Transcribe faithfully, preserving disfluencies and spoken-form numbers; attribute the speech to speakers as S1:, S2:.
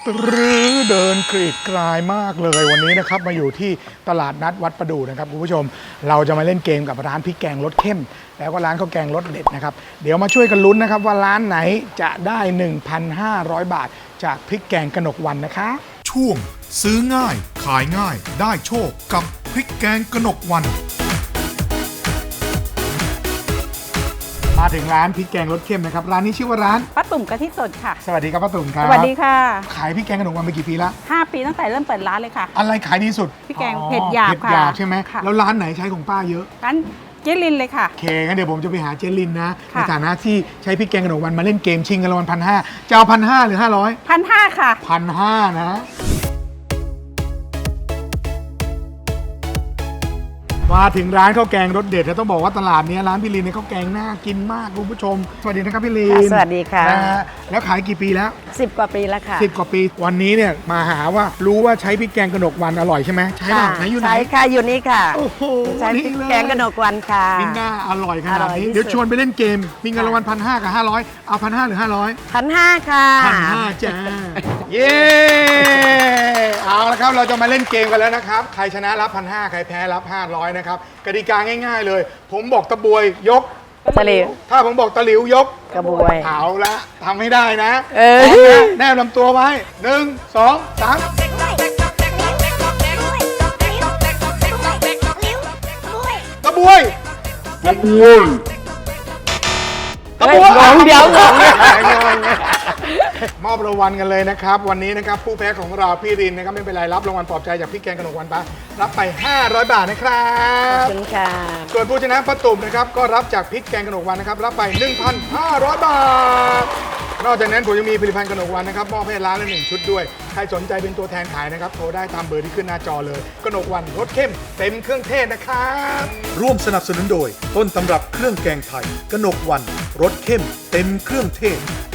S1: หรือเดินกรีดกรายมากเลยวันนี้นะครับมาอยู่ที่ตลาดนัดวัดประดู่นะครับคุณผู้ชมเราจะมาเล่นเกมกับร้านพริกแกงรสเข้มแล้วก็ร้านข้าวแกงรสเด็ดนะครับเดี๋ยวมาช่วยกันลุ้นนะครับว่าร้านไหนจะได้ หนึ่งพันห้าร้อย บาทจากพริกแกงกนกวรรณนะคะ
S2: ช่วงซื้อง่ายขายง่ายได้โชคกับพริกแกงกนกวรรณ
S1: มาถึงร้านพริกแกงรสเข้มนะครับร้านนี้ชื่อว่าร้าน
S3: ป้าตุ่มกะทิสดค่ะ
S1: สวัสดีครับป้าตุ่มครับ
S3: สวัสดีค่ะ
S1: ขายพริกแกงกนกวรรณมากี่ปีละ
S3: ห้าปีตั้งแต่เริ่มเปิดร้านเลยค่ะ
S1: อะไรขายดีสุด
S3: พริกแกง
S1: อ๋อ
S3: เผ็ดหยาบ
S1: เผ็ดหยาบ
S3: ค่ะ
S1: ใช่ไหม
S3: ค่ะ
S1: แล้วร้านไหนใช้ของป้าเยอะ
S3: ร้านเจลินเลยค่ะ
S1: โอเคงั้นเดี๋ยวผมจะไปหาเจลินนะใน
S3: ค่ะ
S1: ฐานะที่ใช้พริกแกงกนกวรรณมาเล่นเกมชิงกันรางวัลพันห้าจะเอาพันห้าหรือห้าร้อย
S3: พันห้าค่ะ
S1: พันห้านะมาถึงร้านข้าวแกงรสเด็ดแล้วต้องบอกว่าตลาดนี้ร้านพี่ลินเนี่ยข้าวแกงน่ากินมากคุณผู้ชมสวัสดีนะครับพี่ลิน
S4: ค่ะสวัสดีค่ะ
S1: นะฮะแล้วขายกี่ปีแล้ว
S4: สิบกว่าปีแล้วค่ะ
S1: สิบกว่าปีวันนี้เนี่ยมาหาว่ารู้ว่าใช้พริกแกงกนกวรรณอร่อยใช่ไหมใช่ป่ะ
S4: ค่ะ
S1: ไหนอยู่ไหน
S4: ใช่ค่ะอยู่นี่ค่ะ
S1: โอ้โห
S4: ใช้พริกแกงกนกวรรณค่ะ
S1: มิน่าอร่อยขนาด
S4: อร่อย
S1: นี้
S4: ที่สุด
S1: เดี๋ยวชวนไปเล่นเกมมีเงินรางวัลพันห้ากับห้าร้อยเอาพันห้าหรือห้าร้อย
S4: พันห้าค่ะ
S1: พันห้าจ้าเย้เอาละครับเราจะมาเล่นเกมกันแล้วนะครับใครชนะรับพันห้าใครแพ้รับห้าร้อยนะครับกติกาง่ายๆเลย ผมบอกตะบวยยก
S4: ตะหลิว
S1: ถ้าผมบอกตะหลิวยก
S4: กระบวย
S1: เอาละทำให้ได้นะ
S4: เออ
S1: พร้อมนะแนบลำตัวไว้หนึ่งสองสามตะบวยตะบวยตะบวย
S4: เฮ้ยงงเดี๋ยวงง
S1: มอบรางวัลกันเลยนะครับ วันนี้นะครับผู้แพ้ของเราพี่รินนะครับไม่เป็นไรรับรางวัลปลอบใจจากพี่แกงกนกวรรณไปรับไป ห้าร้อย บาทนะครั
S4: ขอบบ คุณค่ะ
S1: ส่วนผู้ชนะป้าตุ่มนะครับก็รับจากพริกแกงกนกวรรณนะครับรับไป หนึ่งพันห้าร้อย บาท นอกจากนั้นผมยังมีผลิตภัณฑ์กนกวรรณนะครับมอบให้ร้านละหนึ่งชุดด้วยใครสนใจเป็นตัวแทนขายนะครับโทรได้ตามเบอร์ที่ขึ้นหน้าจอเลยกนกวรรณรสเข้มเต็มเครื่องเทศนะครับ
S2: ร่วมสนับสนุนโดยต้นตำรับเครื่องแกงไทยกนกวรรณรสเข้มเต็มเครื่องเทศ